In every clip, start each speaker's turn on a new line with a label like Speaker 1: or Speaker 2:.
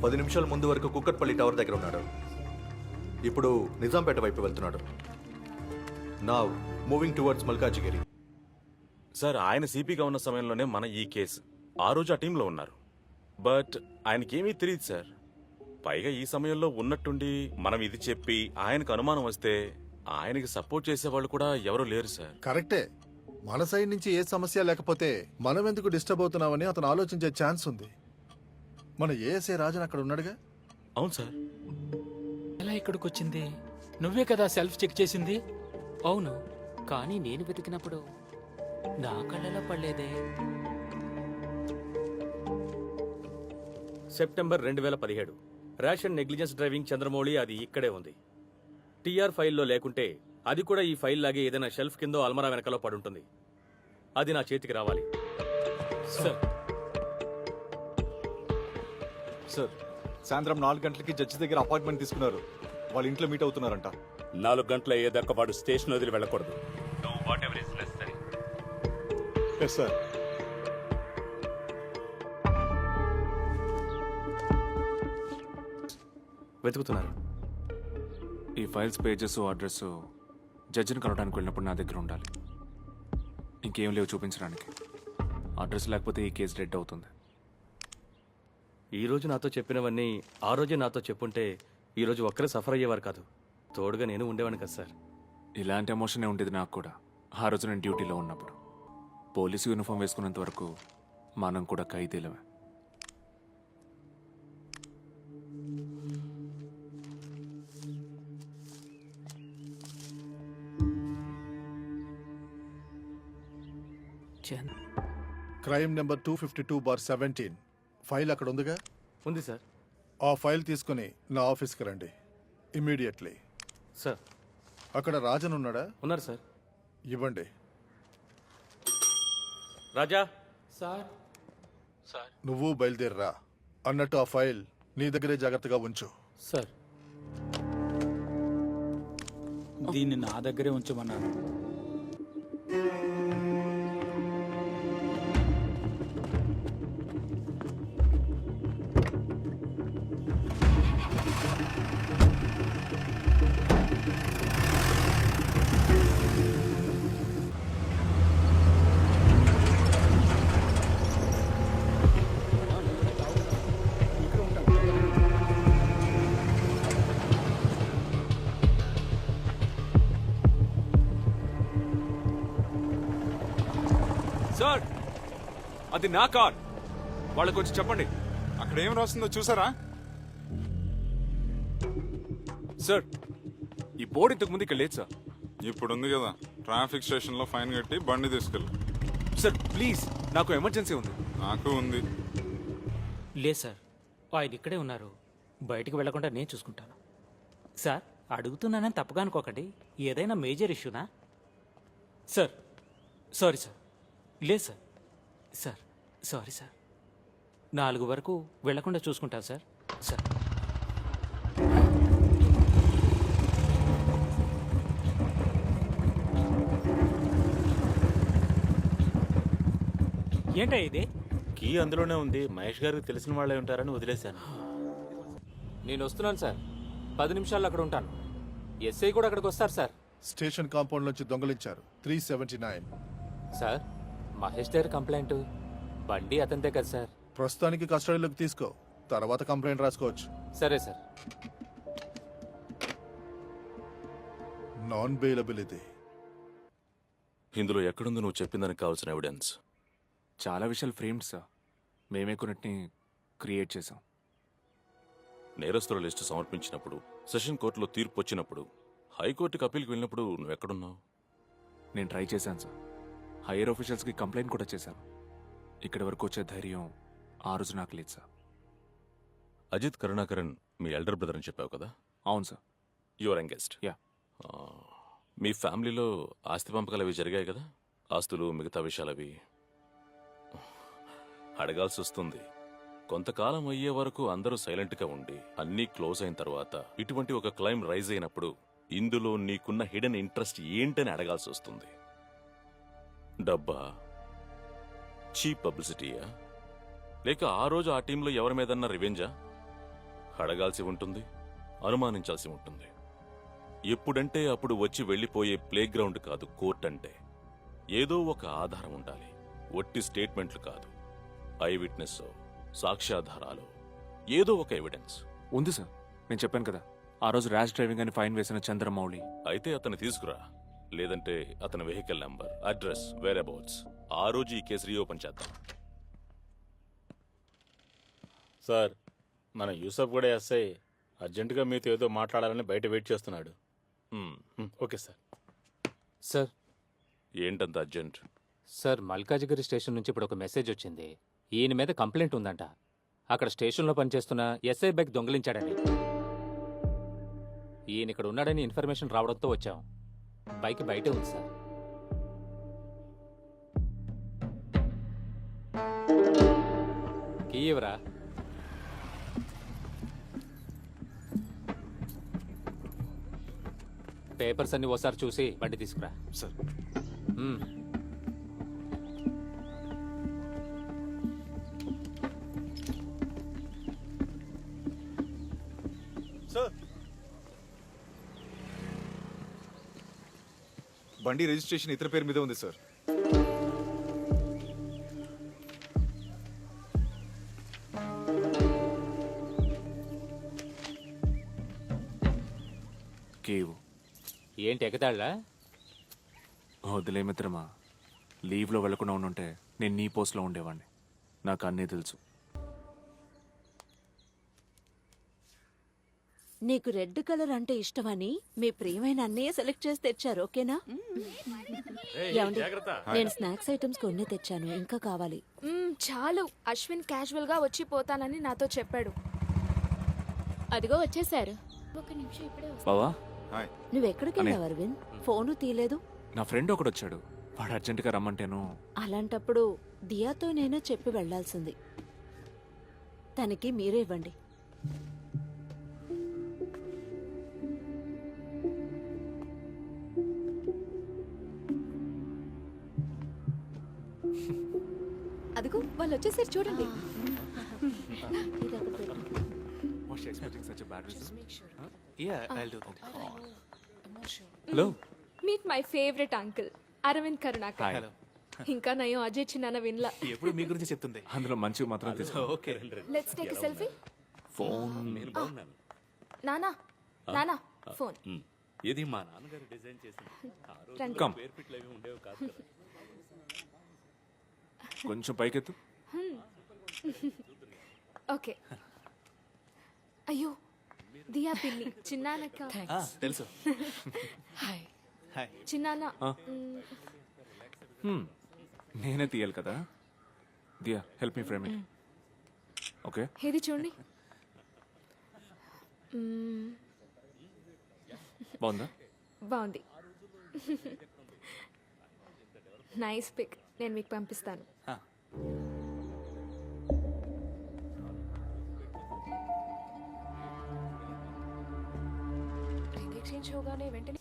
Speaker 1: 10 నిమిషాల ముందు వరకు కుక్కట్పల్లి టవర్ దగ్గర ఉన్నాడు. ఇప్పుడు నిజాంపేట వైపు వెళ్తున్నాడు. Now moving towards Malkajgiri.
Speaker 2: Sir, ఆయన సిపిగా ఉన్న సమయంలోనే మన ఈ కేసు ఆ రోజు ఆ టీంలో ఉన్నారు. బట్ ఆయనకేమీ తెలియదు సార్. పైగా ఈ సమయంలో ఉన్నట్టుండి మనం ఇది చెప్పి ఆయనకు అనుమానం వస్తే ఆయనకి సపోర్ట్ చేసేవాళ్ళు కూడా ఎవరు లేరు సార్.
Speaker 3: కరెక్టే. మన సైడ్ నుంచి ఏ సమస్య లేకపోతే మనం ఎందుకు డిస్టర్బ్ అవుతున్నామని అతను ఆలోచించే ఛాన్స్ ఉంది. మన ఏఎస్ఐ రాజన్ అక్కడ ఉన్నాడుగా.
Speaker 2: అవును సార్.
Speaker 4: ఎలా ఇక్కడికి వచ్చింది? నువ్వే కదా సెల్ఫ్ చెక్ చేసింది.
Speaker 5: అవును, కానీ నేను వెతికినప్పుడు నా కళ్ళలో పడలేదే.
Speaker 6: September 2017 ration negligence driving Chandramouli అది ఇక్కడే ఉంది. టీఆర్ ఫైల్లో లేకుంటే అది కూడా ఈ ఫైల్ లాగే ఏదైనా షెల్ఫ్ కిందో అల్మరా వెనకలో పడుంటుంది. అది నా చేతికి రావాలి.
Speaker 4: సార్
Speaker 7: సార్, సాయంత్రం 4 గంటలకి జడ్జి దగ్గర అపాయింట్మెంట్ తీసుకున్నారు. వాళ్ళ ఇంట్లో మీట్ అవుతున్నారంట.
Speaker 8: 4 గంటల అయ్యేదాకా వాడు స్టేషన్ వదిలి వెళ్ళకూడదు.
Speaker 7: Yes sir.
Speaker 2: వెతుకుతున్నారు.
Speaker 9: ఈ ఫైల్స్ పేజెస్ అడ్రస్ జడ్జిని కలవడానికి వెళ్ళినప్పుడు నా దగ్గర ఉండాలి. ఇంకేం లేవు చూపించడానికి. అడ్రస్ లేకపోతే ఈ కేసు డెడ్ అవుతుంది.
Speaker 6: ఈ రోజు నాతో చెప్పినవన్నీ ఆ రోజే నాతో చెప్పుంటే ఈ రోజు ఒక్కరే సఫర్ అయ్యేవారు కాదు. తోడుగా నేను ఉండేవాడిని కదా సార్.
Speaker 9: ఇలాంటి ఎమోషనే ఉండేది నాకు కూడా ఆ రోజు నేను డ్యూటీలో ఉన్నప్పుడు. పోలీసు యూనిఫామ్ వేసుకున్నంత వరకు మనం కూడా ఖైదీలమే.
Speaker 3: క్రైమ్ నెంబర్ 252/17 ఫైల్ అక్కడ ఉందిగా.
Speaker 6: ఉంది సార్.
Speaker 3: ఆ ఫైల్ తీసుకుని నా ఆఫీస్కి రండి ఇమ్మీడియట్లీ.
Speaker 6: సార్.
Speaker 3: అక్కడ రాజన్ ఉన్నాడా?
Speaker 6: ఉన్నారు సార్.
Speaker 3: ఇవ్వండి.
Speaker 6: రాజా.
Speaker 4: సార్ సార్
Speaker 3: నువ్వు బయలుదేరరా. అన్నట్టు ఆ ఫైల్ నీ దగ్గరే జాగ్రత్తగా ఉంచు.
Speaker 4: సార్ దీన్ని నా దగ్గరే ఉంచమన్నాను.
Speaker 9: సార్, అది నా కార్. వాళ్ళకి వచ్చి చెప్పండి.
Speaker 7: అక్కడ ఏం రాస్తుందో చూసారా?
Speaker 9: సార్, ఈ బోర్డు ఇంతకు ముందు ఇక్కడ లేదు సార్.
Speaker 7: ఇప్పుడు ఉంది కదా, ట్రాఫిక్ స్టేషన్ లో ఫైన్ కట్టి బండి తీసుకెళ్ళు.
Speaker 9: సార్ ప్లీజ్, నాకు ఎమర్జెన్సీ ఉంది.
Speaker 7: నాకు ఉంది.
Speaker 5: లేదు సార్, ఆయన ఇక్కడే ఉన్నారు. బయటికి వెళ్లకుండా నేను చూసుకుంటాను. సార్, అడుగుతున్నానని తప్పుగా అనుకోకండి. ఏదైనా మేజర్ ఇష్యూనా? Sir sorry sir. లేదు సార్. Sir sorry sir. 4 వరకు వెళ్లకుండా చూసుకుంటాను సార్. సార్ ఏంటా ఇది?
Speaker 2: కీ అందులోనే ఉంది. మహేష్ గారికి తెలిసిన వాళ్ళే ఉంటారని వదిలేశాను.
Speaker 4: నేను వస్తున్నాను సార్. 10 నిమిషాల్లో అక్కడ ఉంటాను. ఎస్ఐ కూడా అక్కడికి వస్తారు సార్.
Speaker 3: స్టేషన్ కాంపౌండ్ నుంచి దొంగలించారు 379.
Speaker 4: సార్, మహేష్ దగ్గర కంప్లైంట్. బండి అతనిదే కదా సార్.
Speaker 3: ప్రస్తుతానికి కస్టడీలోకి తీసుకో, తర్వాత కంప్లైంట్ రాసుకోవచ్చు.
Speaker 4: సరే సార్.
Speaker 3: నాన్ బెయిలబుల్ ఇది.
Speaker 2: ఇందులో ఎక్కడుంది నువ్వు చెప్పిందానికి కావాల్సిన ఎవిడెన్స్?
Speaker 9: చాలా విషయాలు ఫ్రేమ్డ్ సార్. మేమే కొన్నిటిని క్రియేట్ చేసాం.
Speaker 2: నేరస్తుల లిస్టు సమర్పించినప్పుడు, సెషన్ కోర్టులో తీర్పు వచ్చినప్పుడు, హైకోర్టుకి అప్పీల్కి వెళ్ళినప్పుడు నువ్వు ఎక్కడున్నావు?
Speaker 9: నేను ట్రై చేశాను సార్. హైయర్ ఆఫీషియల్స్కి కంప్లైంట్ కూడా చేశాను. ఇక్కడి వరకు వచ్చే ధైర్యం ఆ రోజు నాకు లేదు సార్.
Speaker 2: అజిత్ కరుణాకరన్ మీ ఎల్డర్ బ్రదర్ అని చెప్పావు కదా?
Speaker 9: అవును సార్.
Speaker 2: Your youngest.
Speaker 9: యా.
Speaker 2: మీ ఫ్యామిలీలో ఆస్తి పంపకాలు అవి జరిగాయి కదా? ఆస్తులు, మిగతా విషయాలవి అడగాల్సి వస్తుంది. కొంతకాలం అయ్యే వరకు అందరూ సైలెంట్గా ఉండి అన్నీ క్లోజ్ అయిన తర్వాత ఇటువంటి ఒక క్లైమ్ రైజ్ అయినప్పుడు ఇందులో నీకున్న హిడెన్ ఇంట్రెస్ట్ ఏంటని అడగాల్సి వస్తుంది. డబ్బా, చీప్ పబ్లిసిటీయా, లేక ఆ రోజు ఆ టీంలో ఎవరి మీదన్నా రివెంజా? అడగాల్సి ఉంటుంది, అనుమానించాల్సి ఉంటుంది. ఎప్పుడంటే అప్పుడు వచ్చి వెళ్ళిపోయే ప్లేగ్రౌండ్ కాదు కోర్ట్ అంటే. ఏదో ఒక ఆధారం ఉండాలి. ఒట్టి స్టేట్మెంట్లు కాదు, ఐ విట్నెస్, సాక్ష్యాధారాలు, ఏదో ఒక ఎవిడెన్స్.
Speaker 9: ఉంది సార్, నేను చెప్పాను కదా ఆ రోజు ర్యాష్ డ్రైవింగ్ అని ఫైన్ వేసిన చంద్రమౌళి.
Speaker 2: అయితే అతను తీసుకురా, లేదంటే అతని vehicle number, address, whereabouts. ఆ రోజు ఈ కేసు రీఓపెన్ చేద్దాం.
Speaker 10: సార్, మన యూసఫ్ కూడా ఎస్ఐ అర్జెంటుగా మీతో ఏదో మాట్లాడాలని బయట వెయిట్ చేస్తున్నాడు. Okay sir.
Speaker 4: సార్
Speaker 2: ఏంటంత అర్జెంట్?
Speaker 4: సార్ మల్కాజిగిరి స్టేషన్ నుంచి ఇప్పుడు ఒక మెసేజ్ వచ్చింది. ఈయన మీద కంప్లైంట్ ఉందంట. అక్కడ స్టేషన్లో పనిచేస్తున్న ఎస్ఐ బైక్ దొంగిలించాడని. ఈయన ఇక్కడ ఉన్నాడని ఇన్ఫర్మేషన్ రావడంతో వచ్చాం. బైక్ బయటే ఉంది సార్. కీ ఇవ్వరా. పేపర్స్ అన్ని ఓసారి చూసి బండి తీసుకురా.
Speaker 9: Sir
Speaker 4: hmm.
Speaker 7: సార్, బండి రిజిస్ట్రేషన్ ఇతర పేరు మీద ఉంది సార్.
Speaker 9: కేవ్
Speaker 4: ఏంటి ఎగతాళ్ళా?
Speaker 9: వదిలే మిత్రమా, లీవ్లో వెళ్లకుండా ఉండుంటే నేను నీ పోస్ట్లో ఉండేవాడిని. నాకు అన్నీ తెలుసు.
Speaker 11: నీకు రెడ్ కలర్ అంటే ఇష్టమని మీ ప్రియమైన అన్నయ్య సెలెక్ట్ చేసి తెచ్చారు, ఓకేనా? ఏమండి? నేను స్నాక్స్ ఐటమ్స్ కొన్ని తెచ్చాను, ఇంకా కావాలి.
Speaker 12: చాలు. అశ్విన్ క్యాజువల్ గా వచ్చి పోతానని నాతో చెప్పాడు.
Speaker 11: అదిగో వచ్చేసారు.
Speaker 12: ఒక నిమిషం ఇప్పుడే
Speaker 9: బావా,
Speaker 7: హాయ్.
Speaker 11: నువ్వెక్కడికి వెళ్ళావు అరవింద్? ఫోను తీయలేదు.
Speaker 9: నా ఫ్రెండ్ ఒకడు వచ్చాడు, వాడు అర్జెంటుగా రమ్మంటేను.
Speaker 11: అలాంటప్పుడు దియాతో నేనే చెప్పి వెళ్లాల్సింది. తనకి మీరే ఇవ్వండి.
Speaker 12: అదిగో వాళ్ళు వచ్చేసారు చూడండి.
Speaker 9: Hello,
Speaker 12: meet my favourite uncle Aravind Karunakar. ఇంకా నయం అజయ్ చిన్న విన్లా.
Speaker 10: ఎప్పుడు మీ గురించి చెప్తుంది.
Speaker 9: అందులో మంచిగా మాత్రం తీసుకో.
Speaker 10: Okay.
Speaker 12: Let's take a selfie.
Speaker 9: Phone
Speaker 12: నానా నానా ఫోన్.
Speaker 8: ఇది మా నాన్నగారు డిజైన్ చేసింది.
Speaker 12: రండి.
Speaker 9: కమ్,
Speaker 8: పేర్పిట్లు అవి ఉండేవి కాదు కదా.
Speaker 9: కొంచెం పైకెత్తు.
Speaker 12: ఓకే. అయ్యో దియా పిన్ని చిన్నానక్క.
Speaker 10: తెలుసు.
Speaker 12: చిన్నాన్న.
Speaker 9: నేనే తీయాలి కదా. Diya, help me frame it. Okay,
Speaker 12: ఇది చూడండి.
Speaker 9: బాగుందా?
Speaker 12: బాగుంది. Nice pic. నేను మీకు పంపిస్తాను. వెంటనే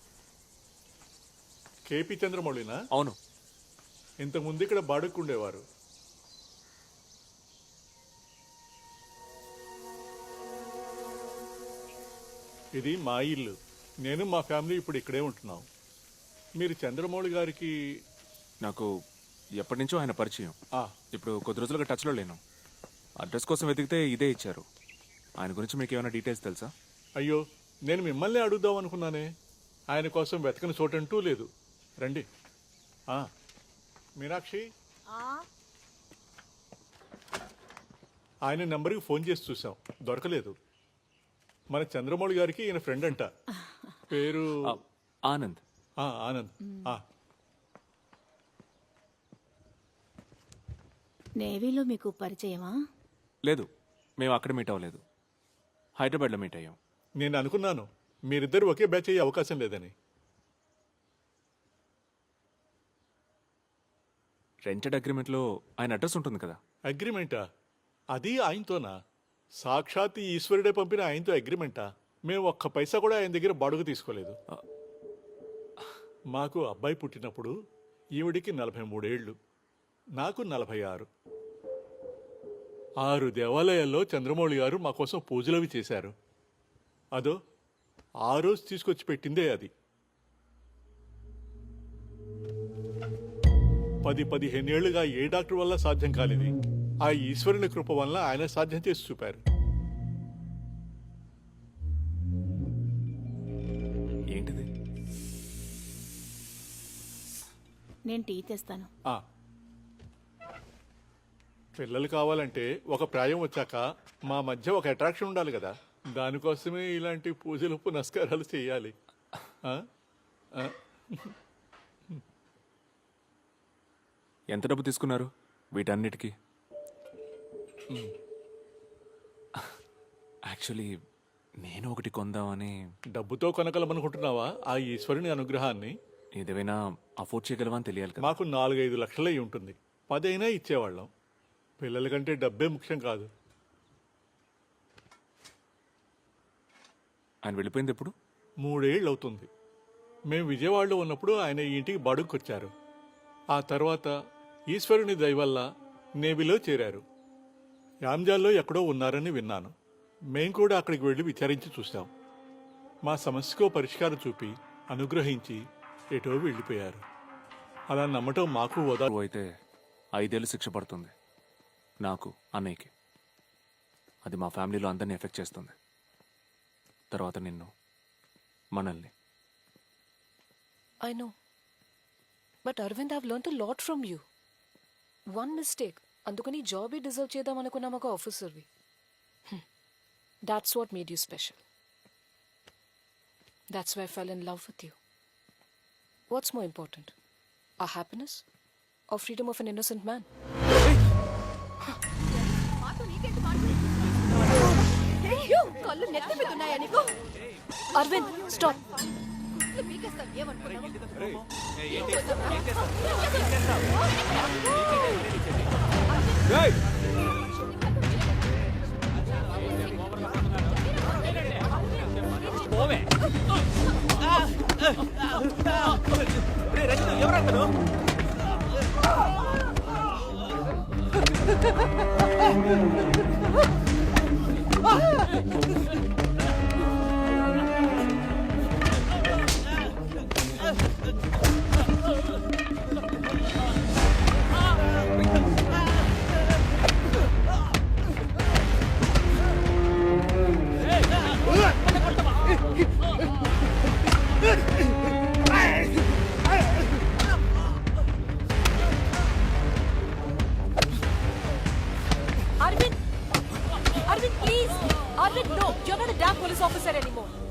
Speaker 3: కేపీ చంద్రమౌళినా?
Speaker 9: అవును.
Speaker 3: ఇంతకుముందు ఇక్కడ బాడుక్కుండేవారు. ఇది మా ఇల్లు. నేను మా ఫ్యామిలీ ఇప్పుడు ఇక్కడే ఉంటున్నాం. మీరు చంద్రమౌళి గారికి?
Speaker 9: నాకు ఎప్పటి నుంచో ఆయన పరిచయం.
Speaker 3: ఆ,
Speaker 9: ఇప్పుడు కొద్ది రోజులుగా టచ్లో లేను. అడ్రస్ కోసం వెతికితే ఇదే ఇచ్చారు. ఆయన గురించి మీకు ఏమైనా డీటెయిల్స్ తెలుసా?
Speaker 3: అయ్యో, నేను మిమ్మల్ని అడుగుదాం అనుకున్నానే. ఆయన కోసం వెతకని చోటంటూ లేదు. రండి. మీనాక్షి, ఆయన నెంబర్కి ఫోన్ చేసి చూసాం, దొరకలేదు. మన చంద్రమౌళి గారికి ఈయన ఫ్రెండ్ అంట. పేరు
Speaker 9: ఆనంద్.
Speaker 3: ఆనంద్.
Speaker 11: నేవీలో మీకు పరిచయమా?
Speaker 9: లేదు, మేము అక్కడ మీట్ అవ్వలేదు. హైదరాబాద్లో మీట్ అయ్యాం.
Speaker 3: నేను అనుకున్నాను మీరిద్దరు ఒకే బ్యాచ్ అయ్యే అవకాశం లేదని.
Speaker 9: రెంటెడ్ అగ్రిమెంట్లో ఆయన అడ్రస్ ఉంటుంది కదా.
Speaker 3: అగ్రిమెంటా? అది ఆయనతోనా? సాక్షాత్ ఈ ఈశ్వరుడే పంపిన ఆయనతో అగ్రిమెంటా? మేము ఒక్క పైసా కూడా ఆయన దగ్గర బాడుగు తీసుకోలేదు. మాకు అబ్బాయి పుట్టినప్పుడు ఈవిడికి 43 ఏళ్ళు, నాకు 46.
Speaker 13: 6 దేవాలయాల్లో చంద్రమౌళి గారు మా కోసం పూజలవి చేశారు. అదో ఆ రోజు తీసుకొచ్చి పెట్టిందే అది. 10-15 ఏళ్లుగా ఏ డాక్టర్ వల్ల సాధ్యం కాలేదు. ఆ ఈశ్వరుని కృప వల్ల ఆయన సాధ్యం చేసి చూపారు.
Speaker 9: ఏంటిది?
Speaker 11: నేను టీ తెస్తాను.
Speaker 13: ఆ. పిల్లలు కావాలంటే ఒక ప్రాయం వచ్చాక మా మధ్య ఒక అట్రాక్షన్ ఉండాలి కదా. దానికోసమే ఇలాంటి పూజలు పునస్కారాలు చేయాలి. ఆ? ఆ.
Speaker 9: ఎంత డబ్బు తీసుకున్నారు వీటన్నిటికీ? యాక్చువల్లీ నేను ఒకటి కొందామని.
Speaker 13: డబ్బుతో కొనగలమనుకుంటున్నావా ఆ ఈశ్వరుని అనుగ్రహాన్ని?
Speaker 9: ఏదేమైనా అఫోర్డ్ చేయగలవా అని తెలియాలి కదా.
Speaker 13: మాకు 4-5 లక్షలు అయి ఉంటుంది. 10 అయినా ఇచ్చేవాళ్ళం. పిల్లల కంటే డబ్బే ముఖ్యం కాదు.
Speaker 9: ఆయన వెళ్ళిపోయింది ఎప్పుడు?
Speaker 13: 3 ఏళ్ళు అవుతుంది. మేము విజయవాడలో ఉన్నప్పుడు ఆయన ఈ ఇంటికి బాడుకొచ్చారు. ఆ తర్వాత ఈశ్వరుని దయ వల్ల నేవీలో చేరారు. యాంజాల్లో ఎక్కడో ఉన్నారని విన్నాను. మేం కూడా అక్కడికి వెళ్ళి విచారించి చూశాం. మా సమస్యకో పరిష్కారం చూపి అనుగ్రహించి ఎటో వెళ్ళిపోయారు. అలా నమ్మటం మాకు
Speaker 9: నువ్వు అయితే 5 ఏళ్ళు శిక్ష పడుతుంది. నాకు, అన్నయ్యకి. అది మా ఫ్యామిలీలో అందరినీ ఎఫెక్ట్ చేస్తుంది. తర్వాత నిన్ను, మనల్ని.
Speaker 11: I know, but Aravind have learned a lot from you. One mistake, అందుకని జాబే డిజర్వ్ చేద్దాం అనుకున్నాం ఒక ఆఫీసర్వి. That's what made you special. That's why I fell in love with you. What's more important, a happiness or freedom of an innocent man? కళ్ళు నెత్తి మీద ఉన్నాయా నీకు? Aravind stop. Arvind, please. Arvind, no. You're not a damn police officer anymore.